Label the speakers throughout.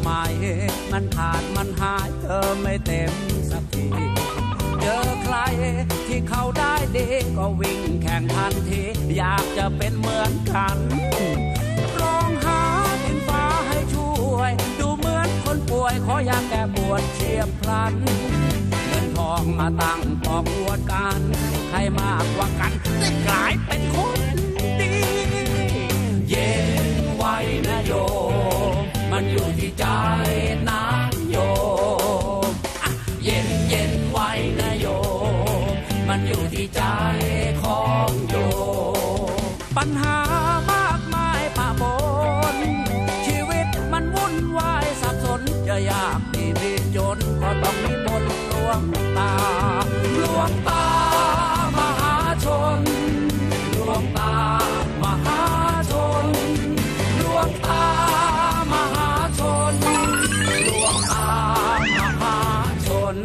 Speaker 1: ไหมมันขาดมันหายเธอไม่เต็มสักทีเจอใครที่เขาได้ดีก็วิ่งแข่งทันทีอยากจะเป็นเหมือนกันร้องหาดินฟ้าให้ช่วยดูเหมือนคนป่วยขออยากแก้ปวดเฉียบพลันเงินทองมาตั้งปอกอวดกันใครมากกว่ากันได้กลายเป็นคนดีเย็นไว้นะโยมมันอยู่ที่ใจนะโยมเย็นเย็นไว้นะโยมมันอยู่ที่ใจของโยมปัญหามากมายป่าบนชีวิตมันวุ่นวายสับสนจะยากดีจนก็ต้องนิมนต์หลวงตาหลวงตามหาชนหลวงตามหาชนหลวงตามหาชนหลวงตามหาชน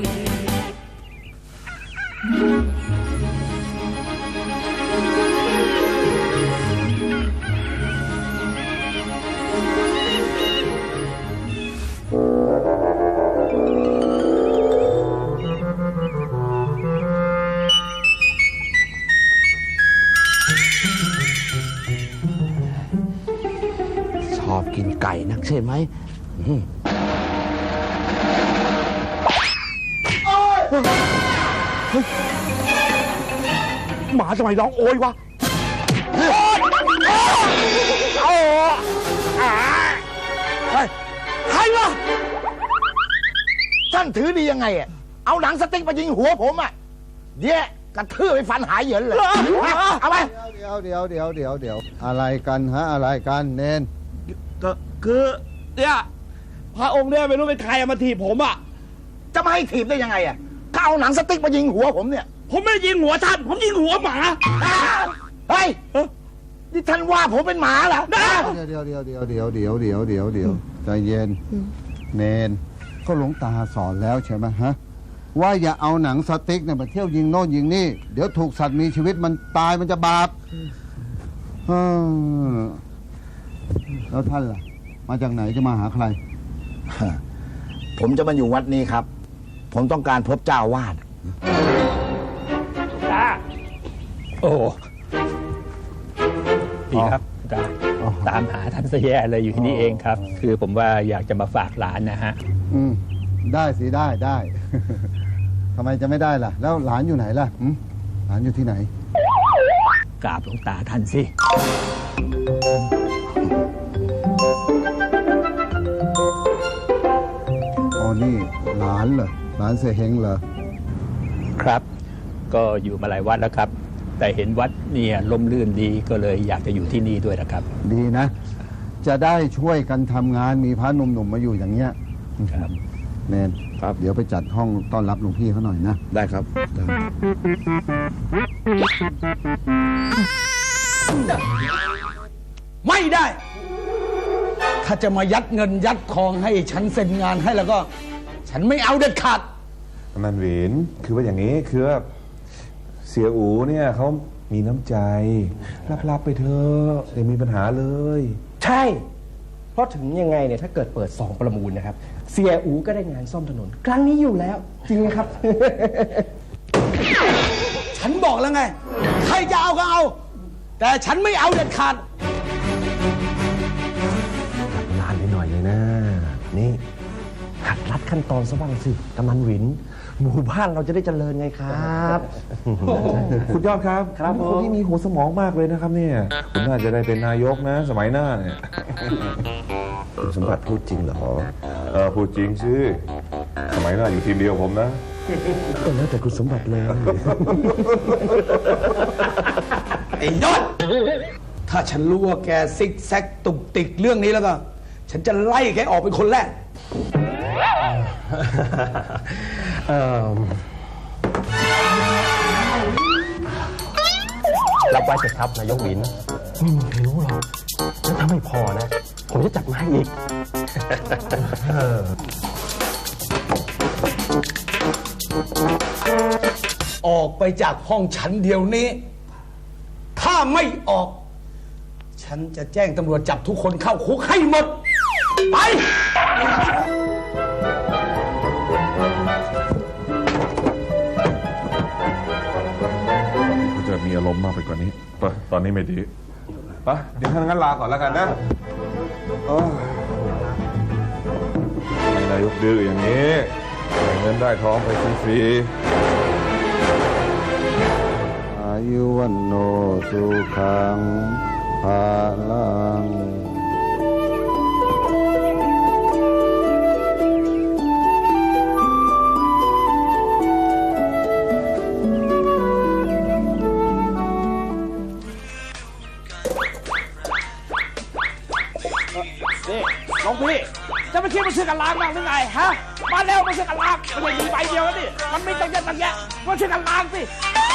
Speaker 2: ชอบกินไก่นักใช่ไหมหมาทำไมร้องโอยวะใครวะท่านถือดียังไงอ่ะเอาหนังสติ๊กมายิงหัวผมอ่ะเดี๋ยวกระทืบไปฟันหายเหยินเลยเอาไป
Speaker 3: เดี๋ยวอะไรกันฮะอะไรกันเนน
Speaker 2: ก็คือเนี่ยพระองค์เนี่ยไม่รู้เป็นใครมาถีบผมอ่ะจะมาให้ถีบได้ยังไงอ่ะก็เอาหนังสติ๊กมายิงหัวผมเนี่ยผมไม่ได้ยิงหัวท่านผมยิงหัวหมาเฮ้ยนี่ท่านว่าผมเป็นหมาเหรอ
Speaker 3: เดี๋ยวใจเย็นเนนก็หลวงตาสอนแล้วใช่ไหมฮะว่าอย่าเอาหนังสติ๊กเนี่ยมาเที่ยวยิงโน่นยิงนี่เดี๋ยวถูกสัตว์มีชีวิตมันตายมันจะบาปแล้วท่านล่ะมาจากไหนจะมาหาใคร
Speaker 2: ผมจะมาอยู่วัดนี้ครับผมต้องการพบเจ้าวาด
Speaker 4: โอ้ดีครับตามหาท่านซะแย่เลยอยู่ที่นี่เองครับคือผมว่าอยากจะมาฝากหลานนะฮะ
Speaker 3: ได้สิได้ ทำไมจะไม่ได้ล่ะแล้วหลานอยู่ไหนล่ะหลานอยู่ที่ไหน
Speaker 4: กราบหลวงตาท่านสิ
Speaker 3: อ๋อนี่หลานเหรอหลานเสเฮงเหรอ
Speaker 4: ครับก็อยู่มาหลายวัดแล้วครับแต่เห็นวัดเนี่ยร่มรื่นดีก็เลยอยากจะอยู่ที่นี่ด้วยนะครับ
Speaker 3: ดีนะจะได้ช่วยกันทำงานมีพระหนุ่มๆมาอยู่อย่างเงี้ย
Speaker 4: ครับ
Speaker 3: เนนครับเดี๋ยวไปจัดห้องต้อนรับหลวงพี่เขาหน่อยนะ
Speaker 2: ได้ครับ
Speaker 1: ไม่ได้ถ้าจะมายัดเงินยัดทองให้ฉันเซ็นงานให้แล้วก็ฉันไม่เอาเด็ดขาด
Speaker 5: มันหวินคือว่าอย่างนี้คือว่าเสียอูเนี่ยเขามีน้ำใจรับไปเถอะอย่ามีปัญหาเลย
Speaker 6: ใช่เพราะถึงยังไงเนี่ยถ้าเกิดเปิด2ประมูลนะครับเสียอูก็ได้งานซ่อมถนนครั้งนี้อยู่แล้วจริงไหมครับ
Speaker 1: ฉันบอกแล้วไงใครจะเอาก็เอาแต่ฉันไม่เอาเด็ดขาด
Speaker 6: นานไปหน่อยเลยนะนี่หัดรัดขั้นตอนซะบ้างสิกำนันหวินหมู่บ้านเราจะได้เจริญไงครับ
Speaker 5: คุณยอดครับ
Speaker 6: ครับ
Speaker 5: คนที่มีหัวสมองมากเลยนะครับเนี่ยคุณน่าจะได้เป็นนายกนะสมัยหน้าเนี่ย
Speaker 6: คุณสมบัติพูดจริงเหรอ
Speaker 5: พูดจริงสิสมัยหน้าอยู่ทีมเดียวผมนะ
Speaker 6: ก็แล้วแต่คุณสมบัติเลย
Speaker 1: ไอ้ยอดถ้าฉันรู้ว่าแกซิกแซกตุกติกเรื่องนี้แล้วก็ฉันจะไล่แกออกเป็นคนแรก
Speaker 6: รับไว้เถอะครับนายกหวินไม่มีใครรู้หรอกแล้วถ้าไม่พอนะผมจะจัดมาให้อีก
Speaker 1: ออกไปจากห้องฉันเดี๋ยวนี้ถ้าไม่ออกฉันจะแจ้งตำรวจจับทุกคนเข้าคุกให้หมดไป
Speaker 5: อารมณ์มากไปกว่านี้ไปตอนนี้ไม่ดีไปเดี๋ยวท่านงั้นลาก่อนแล้วกันนะนายกดื้ออย่างนี้ได้เงินได้ทองไปฟรี
Speaker 3: อายุวันโนสุขังภาลัง
Speaker 2: นี่หลวงพี่จะไม่คิดมาซื้อกันล้างบ้างหรือไงฮะมาแล้วมาซื้อกันล้างมันไม่มีใบเดียวแล้วนี่มันไม่ต้องเยอะตั้งแยะมาซื้อกันล้างสิ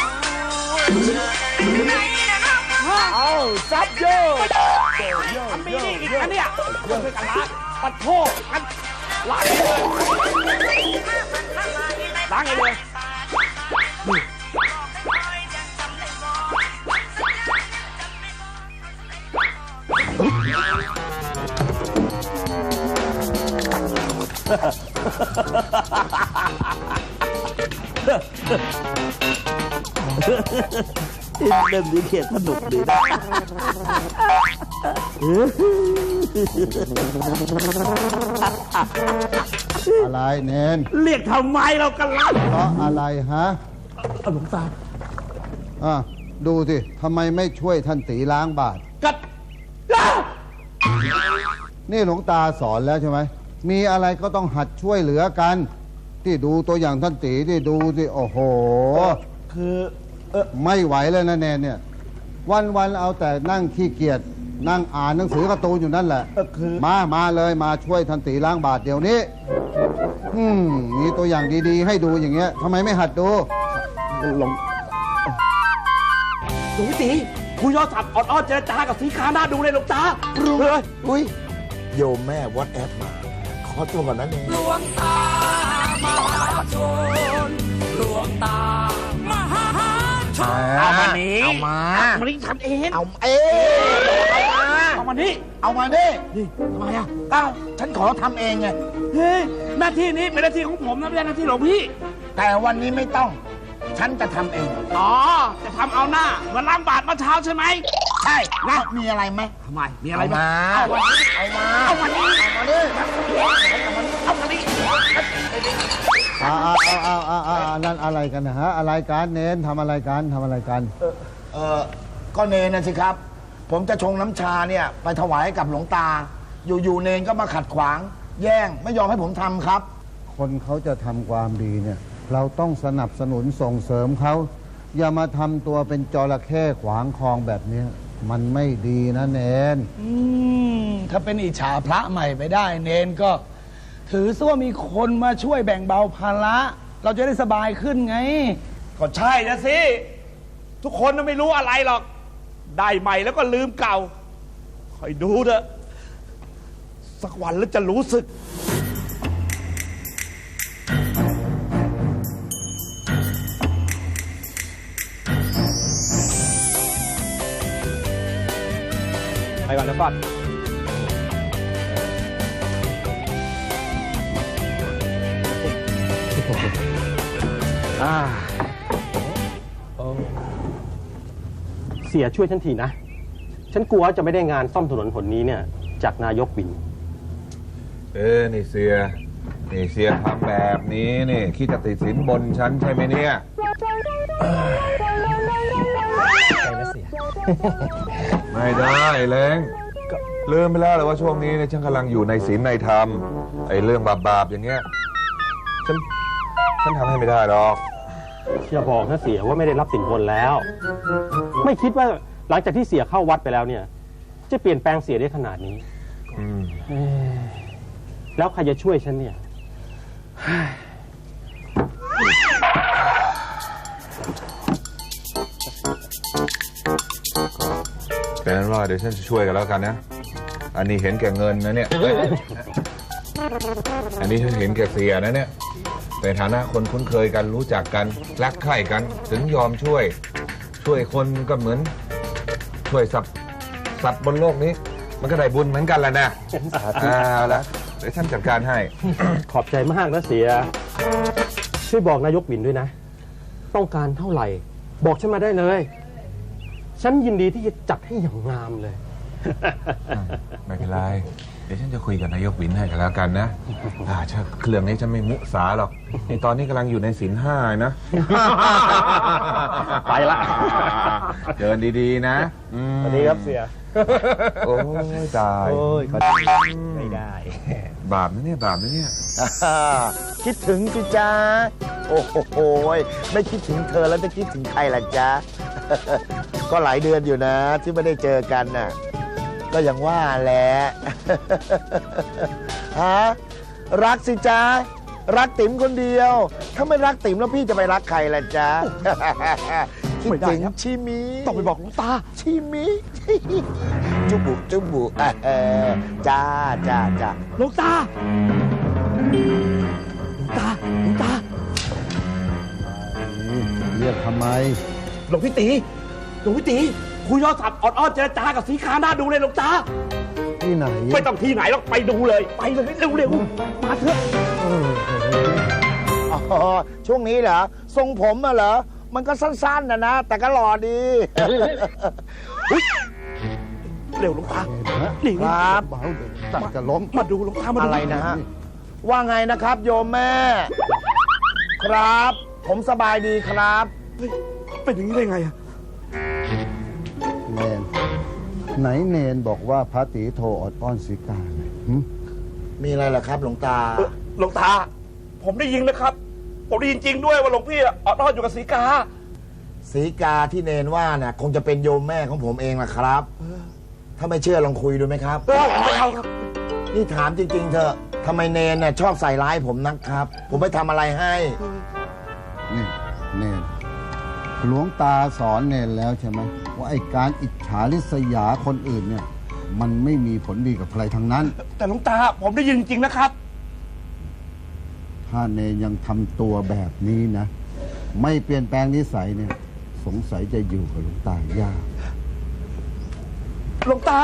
Speaker 2: เอาซับโยมันมีนี่อีกอันเนี้ยมาซื้อกันล้างปัดโทษกันล้างเลยล้างเลยเล่นดีเขียนสนุกดีนะ
Speaker 3: อะไรเนน
Speaker 2: เรียกทำไมเรากันล่ะ
Speaker 3: เพราะอะไรฮะ
Speaker 2: หลวงตา
Speaker 3: ดูสิทำไมไม่ช่วยท่านตีล้างบาตร
Speaker 2: กัด
Speaker 3: นี่หลวงตาสอนแล้วใช่ไหมมีอะไรก็ต้องหัดช่วยเหลือกัน ที่ดูตัวอย่างท่านตีที่ดูสิโอ้โห
Speaker 2: คือ
Speaker 3: ไม่ไหวเลยนะเนนเนี่ย วันเอาแต่นั่งขี้เกียจนั่งอ่านหนังสือการ์ตูนอยู่นั่นแหละมาเลยมาช่วยท่านตีล้างบาตรเดี๋ยวนี้มีตัวอย่างดีๆให้ดูอย่างเงี้ยทำไมไม่หัดดู
Speaker 2: หลวงพี่ตีคุยโทรศัพท์ออดๆเจรจากับสีขาหน้าดูเลยหลวงตารู้เลย
Speaker 7: อุ้ยโยมแม่วอทแอปมาขอตัวก่อนนะเนี่ย
Speaker 1: หลวงตามหาชนหลวงตามหาชน
Speaker 2: เอามานี้
Speaker 7: เอามา
Speaker 2: มานี้ทำเอง
Speaker 7: เอา
Speaker 2: เอามานี้
Speaker 7: เอามาดิ
Speaker 2: นี่ทำไมอ่ะ
Speaker 7: อ้าวฉันขอทำเองไง
Speaker 2: เฮ้ยหน้าที่นี้เป็นหน้าที่ของผมนะไม่ใช่หน้าที่หลวงพี่
Speaker 7: แต่วันนี้ไม่ต้อง ฉันจะทำเอง
Speaker 2: อ๋อจะทำเอาหน้าเหมือนล้างบาตรเมื่อเช้าใช่ไหม
Speaker 7: ใช่นะมีอะไรไหม
Speaker 2: ทำไมมีอะไร
Speaker 7: เอา
Speaker 2: บ้าง
Speaker 7: มา
Speaker 2: เอามานี้
Speaker 7: เอามา
Speaker 2: เอามานี้
Speaker 7: เอามาดิ
Speaker 2: เอามานี้
Speaker 3: นั่นอะไรกันนะฮะอะไรกันเน้นทำอะไรกัน
Speaker 7: ก็เนนนะสิครับ ผมจะชงน้ำชาเนี่ยไปถวายให้กับหลวงตา อยู่เนนก็มาขัดขวาง แย่งไม่ยอมให้ผมทำครับ
Speaker 3: คนเขาจะทำความดีเนี่ย เราต้องสนับสนุนส่งเสริมเขาอย่ามาทำตัวเป็นจระเข้ขวางคลองแบบนี้มันไม่ดีนะเนน
Speaker 8: ถ้าเป็นอิจฉาพระใหม่ไปได้เนนก็ถือซะว่ามีคนมาช่วยแบ่งเบาภาระเราจะได้สบายขึ้นไง
Speaker 2: ก็ใช่นะสิทุกคนน่ะไม่รู้อะไรหรอกได้ใหม่แล้วก็ลืมเก่าคอยดูเถอะสักวันแล้วจะรู้สึกไปก่อนนะก่อน
Speaker 6: เสียช่วยฉันทีนะ ฉันกลัวจะไม่ได้งานซ่อมถนนหนนี้เนี่ยจากนายกวิน
Speaker 5: นี่เสียทำแบบนี้นี่คิดจะติดสินบนฉันใช่ไหมเนี่ยไม่ได้เล้งลืมไปแล้วเลยว่าช่วงนี้เนี่ยฉันกำลังอยู่ในศีลในธรรมไอ้เรื่องบาปๆอย่างเงี้ยฉันทำให้ไม่ได้หรอก
Speaker 6: อย่าบอกนะเสียว่าไม่ได้รับสินบนแล้ว ไม่คิดว่าหลังจากที่เสียเข้าวัดไปแล้วเนี่ยจะเปลี่ยนแปลงเสียได้ขนาดนี้แล้วใครจะช่วยฉันเนี่ย
Speaker 5: เป็นนั้นว่าเดี๋ยวฉันจะช่วยกันแล้วกันนะอันนี้เห็นแก่เงินนะเนี่ยอันนี้ฉันเห็นแก่เสียนะเนี่ยในฐานะคนคุ้นเคยกันรู้จักกันรักใคร่กันถึงยอมช่วยคนก็เหมือนช่วยสัตว์บนโลกนี้มันก็ได้บุญเหมือนกันแหละนะเอาละเดี๋ยวฉันจัดการให้
Speaker 6: ขอบใจมากนะเสียช่วยบอกนายกวินด้วยนะต้องการเท่าไหร่บอกฉันมาได้เลยฉันยินดีที่จะจัดให้อย่างงามเลย
Speaker 5: ไม่เป็นไร เดี๋ยวฉันจะคุยกับนายกวินให้กันแล้วกันนะถ้าเครื่องนี้ฉันไม่มุสาหรอกในตอนนี้กำลังอยู่ในศีลห้านะ
Speaker 6: ไปละ
Speaker 5: เดินดีๆนะ
Speaker 6: สวัสดีครับเสีย
Speaker 5: โอ้ยตาย
Speaker 6: โอ้ยก็ไม่ได้
Speaker 5: บาปนะเนี่ยบาปนะเนี่ย
Speaker 7: คิดถึงสิจ้าโอ้โหไม่คิดถึงเธอแล้วจะคิดถึงใครล่ะจ๊ะ ก็หลายเดือนอยู่นะ ที่ไม่ได้เจอกันน่ะ ก็อย่างว่าแหละ ฮะรักสิจ๊ะรักติ๋มคนเดียว ถ้าไม่รักติ๋มแล้วพี่จะไปรักใครล่ะจ๊ะ คิดถึงชิมิต้องไปบอกหลวงตาชิมิจุบุจุบุจ้าจ้าจ้า
Speaker 2: หลวงตา
Speaker 3: เรียกทำไม
Speaker 2: หลวงพี่ตีคุยโทรศัพท์ออดๆเจรจากับสีขาหน้าดูเลยหลวงตา
Speaker 3: ที่ไหน
Speaker 2: ไม่ต้องที่ไหนหรอกไปดูเลย ไปเลยเร็วๆมาเถอะ
Speaker 7: อ๋อช่วงนี้เหรอทรงผมอะเหรอมันก็สั้นๆนะแต่ก็หล่อดี
Speaker 2: เร็วหลวงตานี่
Speaker 7: ครับ
Speaker 3: เบาเดี๋ยวตัดจะล้ม
Speaker 2: มาดูหลวงตามาดู
Speaker 7: อะไรนะฮะว่าไงนะครับโยมแม่ ครับ ผมสบายดีครับ
Speaker 2: เฮ้ยเป็นอย่างนี้ได้ไงอะ
Speaker 3: เนนไหนเนนบอกว่าพระตีโทรอดอ้อนสีกาไงหึ
Speaker 7: มีอะไรล่ะครับหลวงตา
Speaker 2: หลวงตา ผมได้ยินนะครับ ผมได้ยินจริงด้วยว่าหลวงพี่อะออดๆอยู่กับสีกา
Speaker 7: สีกาที่เนนว่าน่ะคงจะเป็นโยมแม่ของผมเองล่ะครับ ถ้าไม่เชื่อลองคุยดูไหมครับ
Speaker 2: ไม่เอาครับ
Speaker 7: นี่ถามจริงๆเถอะทำไมเนนน่ะชอบใส่ร้ายผมนักครับ ผมไม่ทำอะไรให้
Speaker 3: นี่เนนหลวงตาสอนเนนแล้วใช่ไหมว่าไอ้การอิจฉาริษยาคนอื่นเนี่ย มันไม่มีผลดีกับใครทั้งนั้น
Speaker 2: แต่หลวงตาผมได้ยินจริงนะครับ
Speaker 3: ถ้าเนนยังทำตัวแบบนี้นะ ไม่เปลี่ยนแปลงนิสัยเนี่ย สงสัยจะอยู่กับหลวงตายาก
Speaker 2: หลวงตา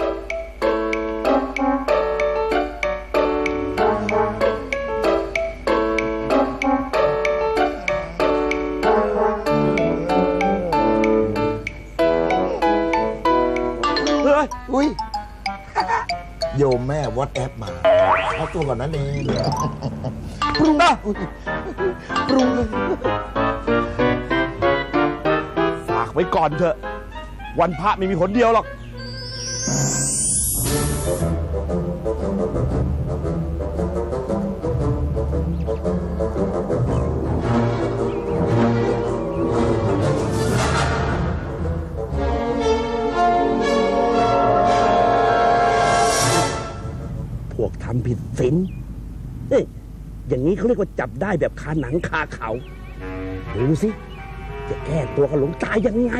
Speaker 7: อุ้ย โยมแม่วอทแอปมาเอาตัวก่อนนะเนน
Speaker 2: ปรุงนะปรุงเลยฝากไว้ก่อนเถอะ วันพระไม่มีผลเดียวหรอก พวกทำผิดศีลเฮ้ยอย่างนี้เขาเรียกว่าจับได้แบบคาหนังคาเขาดูสิ จะแก้ตัวกับหลวงตายังไง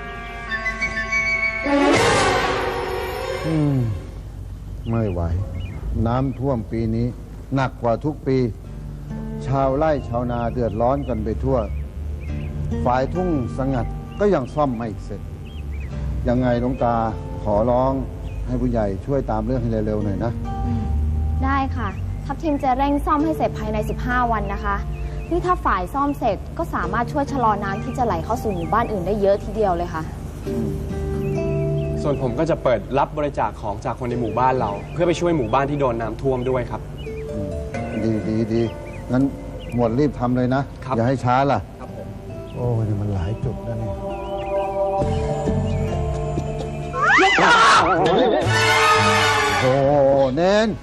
Speaker 3: ไม่ไหว น้ำท่วมปีนี้ หนักกว่าทุกปี ชาวไร่ชาวนาเดือดร้อนกันไปทั่ว ฝ่ายทุ่งสงัดก็ยังซ่อมไม่เสร็จ ยังไงหลวงตาขอร้องให้ผู้ใหญ่ช่วยตามเรื่องให้เร็วๆหน่อยนะ
Speaker 9: ได้ค่ะ ทัพทีมจะเร่งซ่อมให้เสร็จภายใน 15 วันนะคะ นี่ถ้าฝ่ายซ่อมเสร็จก็สามารถช่วยชะลอน้ำที่จะไหลเข้าสู่หมู่บ้านอื่นได้เยอะทีเดียวเลยค่ะ
Speaker 10: ส่วนผมก็จะเปิดรับบริจาคของจากคนในหมู่บ้านเรา เพื่อไปช่วยหมู่บ้านที่โดนน้ำท่วมด้วยครับ
Speaker 3: ดีงั้นหมวดรีบทำเลยนะ
Speaker 10: ครับ
Speaker 3: อย่าให้ช้าล่ะ
Speaker 10: ครับผม
Speaker 3: โอ้ยนี่มันหลายจุดนะนี่โอ้เน้น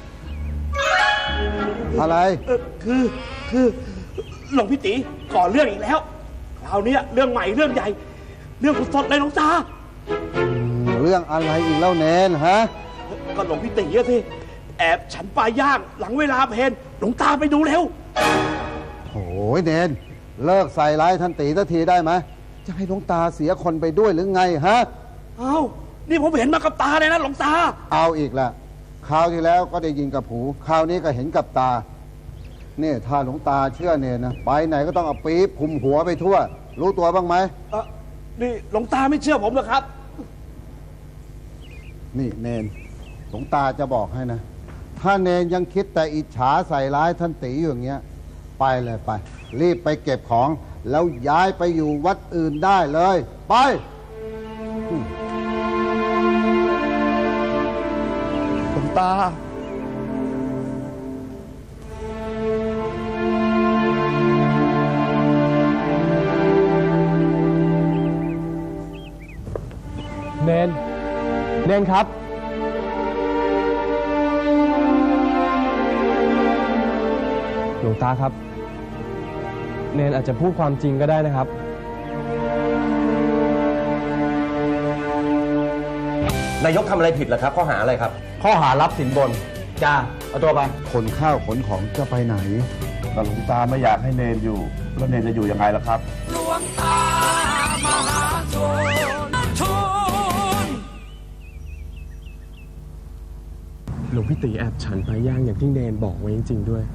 Speaker 3: อะไร
Speaker 2: คือหลวงพี่ตีก่อเรื่องอีกแล้ว คราวนี้เรื่องใหม่เรื่องใหญ่ เรื่องสดๆเลยหลวงตา
Speaker 3: เรื่องอะไรอีกแล้วเน้นฮะ
Speaker 2: ก็หลวงพี่ตีอะสิแอบฉันปลาย่างหลังเวลาเพลนหลวงตาไปดูเร็ว
Speaker 3: โอ้ยเน้นเลิกใส่ร้ายท่านตีสักทีได้ไหมจะให้หลวงตาเสียคนไปด้วยหรือไงฮะ
Speaker 2: เอ้านี่ผมเห็นมากับตาเลยนะหลวงตา
Speaker 3: เอาอีกละคราวที่แล้วก็ได้ยินกับหูคราวนี้ก็เห็นกับตาเนี่ยถ้าหลวงตาเชื่อเนนนะไปไหนก็ต้องเอาปี๊บคุมหัวไปทั่ว รู้ตัวบ้างไหม
Speaker 2: นี่หลวงตาไม่เชื่อผมเหรอครับ
Speaker 3: นี่เนนหลวงตาจะบอกให้นะ ถ้าเนนยังคิดแต่อิจฉาใส่ร้ายท่านตีอยู่อย่างเงี้ยไปเลยไป รีบไปเก็บของ แล้วย้ายไปอยู่วัดอื่นได้เลย ไป
Speaker 10: นครับ หลวงตาครับ เนนอาจจะพูดความจริงก็ได้นะครับ
Speaker 6: นายกทำอะไรผิดเหรอครับข้อหาอะไรครับ
Speaker 2: ข้อหารับสินบน จ้า เอาตัวไป
Speaker 3: ขนข้าวขนของจะไปไหน
Speaker 2: ก็หลวงตาไม่อยากให้เนนอยู่ แล้วเนนจะอยู่ยังไงล่ะครับ
Speaker 1: หลวงตามหาชน
Speaker 10: หลวงพี่ตีแอบฉันไปย่างอย่างที่เนนบอกไว้จริงๆด้วย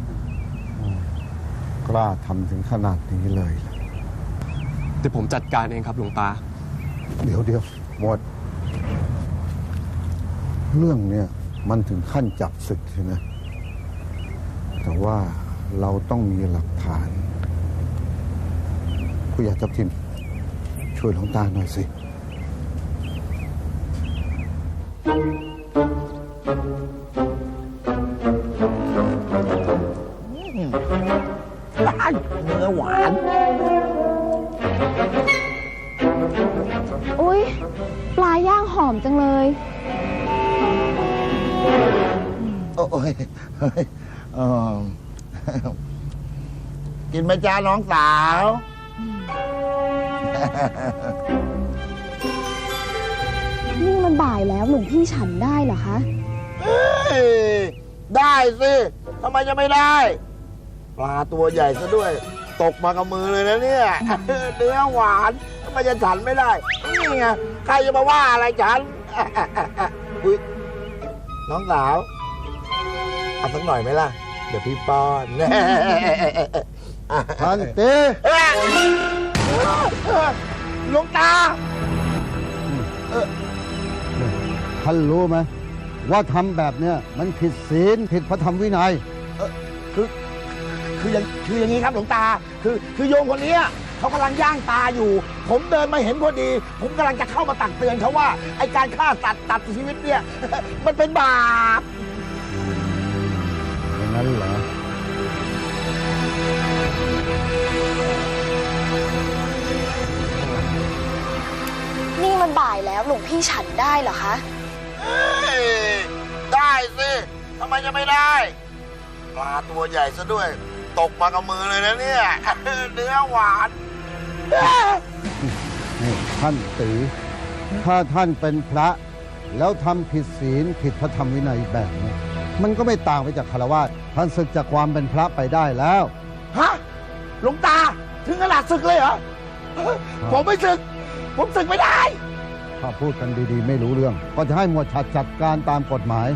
Speaker 3: กล้าทำถึงขนาดนี้เลย
Speaker 10: แต่ผมจัดการเองครับหลวงตา
Speaker 3: เดี๋ยวหมด เรื่องเนี่ยมันถึงขั้นจับศึกใช่ไหมแต่ว่าเราต้องมีหลักฐานผู้ใหญ่ทัพทิมช่วยหลวงตาหน่อยสิ
Speaker 2: เนื้อหวาน
Speaker 9: อุ๊ย ปลาย่างหอมจังเลย
Speaker 7: โอ้ยเฮ้ยกินไหมจ้าน้องสาว
Speaker 9: นี่มันบ่ายแล้วหลวงพี่ฉันได้เหรอคะ
Speaker 7: เอ้ยได้สิทำไมจะไม่ได้ ปลาตัวใหญ่ซะด้วย ตกมากับมือเลยนะเนี่ย เนื้อหวานทำไมจะฉันไม่ได้ นี่ไง ใครจะมาว่าอะไรฉัน อุ๊ยน้องสาว เอาสักหน่อยไหมล่ะ เดี๋ยวพี่ป้อน
Speaker 3: ท่านตี
Speaker 7: หลวงตา
Speaker 3: ท่านรู้ไหมว่าทำแบบเนี้ยมันผิดศีลผิดพระธรรมวินัย
Speaker 7: คืออย่างนี้ครับหลวงตา คือโยมคนเนี้ยเขากำลังย่างปลาอยู่ ผมเดินมาเห็นพอดี ผมกำลังจะเข้ามาตักเตือนเขาว่าไอการฆ่าสัตว์ตัดชีวิตเนี่ย มันเป็นบาป
Speaker 3: อย่างนั้นเหรอ
Speaker 9: นี่มันบ่ายแล้วหลวงพี่ฉันได้เหรอคะ
Speaker 7: เอ้ยได้สิทำไมจะไม่ได้ ปลาตัวใหญ่ซะด้วย ตกมากับมือเลยนะเนี่ย เนื้อหวาน
Speaker 3: นี่ท่านตีถ้าท่านเป็นพระ แล้วทำผิดศีลผิดพระธรรมวินัยแบบนี้มันก็ไม่ต่างไปจากฆราวาสท่านศึกจากความเป็นพระไปได้แล้ว
Speaker 7: ฮะหลวงตาถึงขนาดศึกเลยเหรอ ผมไม่ศึก ผมศึกไม่ได้
Speaker 3: ถ้าพูดกันดีๆ ไม่รู้เรื่อง ก็จะให้หมวดฉัดจัดการตามกฎหมาย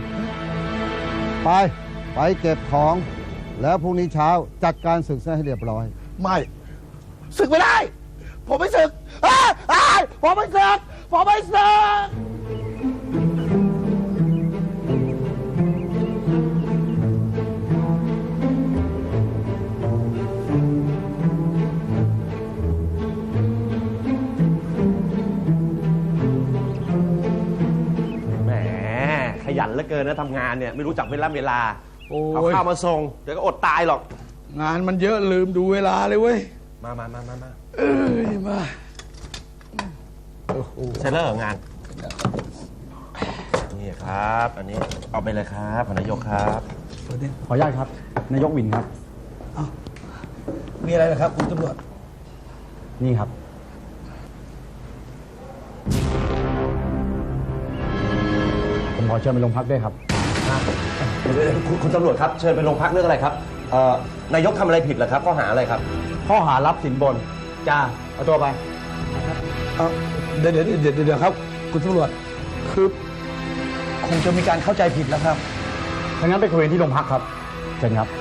Speaker 3: ไปเก็บของ แล้วพรุ่งนี้เช้าจัดการศึกซะให้เรียบร้อย
Speaker 7: ไม่ศึกไม่ได้ ผมไม่ศึกผมไม่ศึก ผมไม่ศึก
Speaker 6: แหมขยันเหลือเกินนะทำงานเนี่ยไม่รู้จักเวลา
Speaker 8: โอ้
Speaker 6: เอา
Speaker 8: ย
Speaker 6: ข้าวมาส่งเดี๋ยวก็อดตายหรอก
Speaker 8: งานมันเยอะลืมดูเวลาเลยเว้ย
Speaker 6: มา
Speaker 8: เอ้ย มา
Speaker 6: เสร็จแล้วเหรองานนี่ครับ อันนี้เอาไปเลยครับนายกครับ
Speaker 2: ขออนุญาตครับ นายกวินครับ
Speaker 8: มีอะไรนะครับคุณตำรวจ
Speaker 2: นี่ครับ ผมขอเชิญไปโรงพักด้วยครับ
Speaker 6: คุณตำรวจครับเชิญไปโรงพักเรื่องอะไรครับนายกทำอะไรผิดเหรอครับข้อหาอะไรครับ
Speaker 2: ข้อหารับสินบน จ้า เอาตัวไป
Speaker 8: เดี๋ยวครับ คุณตำรวจ คือ คงจะมีการเข้าใจผิดแล้วครับ
Speaker 2: ถ้างั้นไปคุยกันที่โรงพักครับ เชิญครับ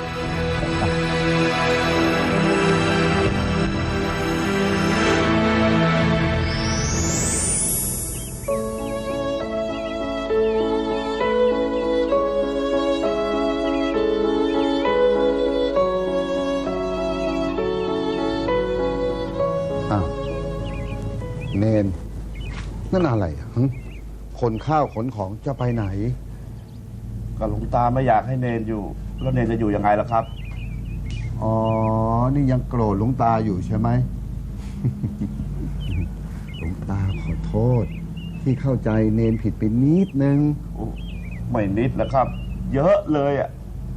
Speaker 3: อ้าวเนนนั่นอะไรอ่ะหึขนข้าวขนของจะไปไหน
Speaker 2: ก็หลวงตาไม่อยากให้เนนอยู่ แล้วเนนจะอยู่ยังไงล่ะครับ
Speaker 3: อ๋อ นี่ยังโกรธหลวงตาอยู่ใช่ไหม หลวงตาขอโทษที่เข้าใจเนนผิดไปนิดนึง
Speaker 2: ไม่นิดนะครับ เยอะเลยอ่ะ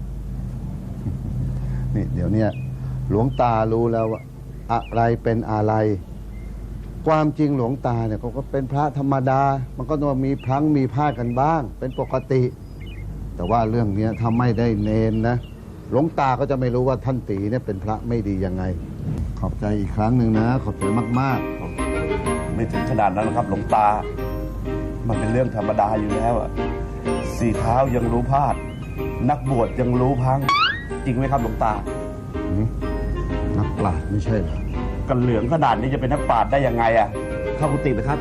Speaker 3: นี่เดี๋ยวเนี้ยหลวงตารู้แล้วว่าอะไรเป็นอะไร ความจริงหลวงตาเนี่ยเขาก็เป็นพระธรรมดา มันก็ต้องมีพลั้งมีพลาดกันบ้าง เป็นปกติ แต่ว่าเรื่องเนี้ยถ้าไม่ได้เนนนะหลวงตาก็จะไม่รู้ว่าท่านตีเนี่ยเป็นพระไม่ดียังไง ขอบใจอีกครั้งหนึ่งนะ ขอบใจมากๆ
Speaker 2: ไม่ถึงขนาดนั้นนะครับหลวงตา มันเป็นเรื่องธรรมดาอยู่แล้วอ่ะสี่เท้ายังรู้พลาด นักบวชยังรู้พัง จริงไหมครับหลวงตา
Speaker 3: นักปราชญ์ไม่ใช่เหรอ
Speaker 2: กันเหลืองขนาดนี้จะเป็นนักปราชญ์ได้ยังไงอ่ะเข้ากุฏินะครับ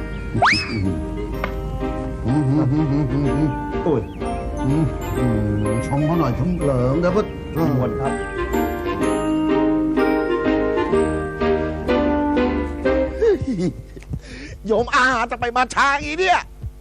Speaker 2: โอ้ย
Speaker 3: ชมเขาหน่อยชมเหลิงเดี๋ยวก็
Speaker 2: นิมนต์ครับ
Speaker 7: โยมอาจะไปมาช้าอีเนี่ย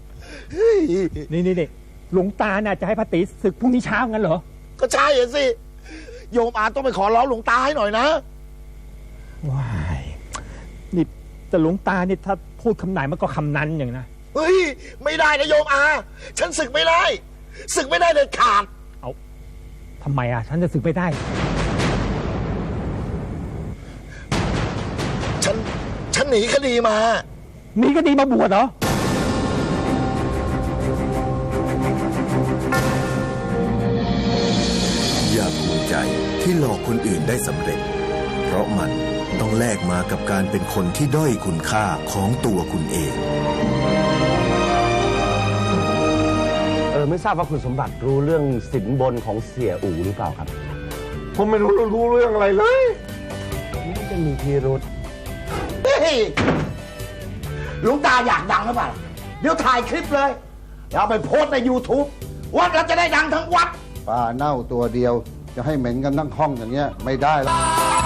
Speaker 4: นี่หลวงตาน่ะจะให้พระตีศึกพรุ่งนี้เช้างั้นเหรอ
Speaker 7: ก็ใช่อะสิ โยมอาต้องไปขอร้องหลวงตาให้หน่อยนะ
Speaker 4: ว้ายนี่แต่หลวงตานี่ถ้าพูดคำไหนมันก็คำนั้นอย่างนะ
Speaker 7: เฮ้ย ไม่ได้นะโยมอา ฉันศึกไม่ได้ ศึกไม่ได้เด็ดขาด
Speaker 4: เอาทำไมอ่ะฉันจะศึกไม่ได้
Speaker 7: ฉันหนีคดีมา
Speaker 4: มีก็ดีมาบวชเหรอ
Speaker 11: อย่าภูมิใจที่หลอกคนอื่นได้สำเร็จ เพราะมันต้องแลกมากับการเป็นคนที่ด้อยคุณค่าของตัวคุณเอง
Speaker 6: ไม่ทราบว่าคุณสมบัติรู้เรื่องสินบนของเสียอู่หรือเปล่าครับ
Speaker 2: ผมไม่รู้เรื่องอะไรเลย
Speaker 6: นี่จะมีพิรุษ
Speaker 7: เฮ้ย หลวงตาอยากดังหรือเปล่า เดี๋ยวถ่ายคลิปเลยแล้วเอาไปโพสต์ใน YouTube วัดเราจะได้ดังทั้งวัด
Speaker 3: ปลาเน่าตัวเดียวจะให้เหม็นกันทั้งห้องอย่างเงี้ยไม่ได้แล้ว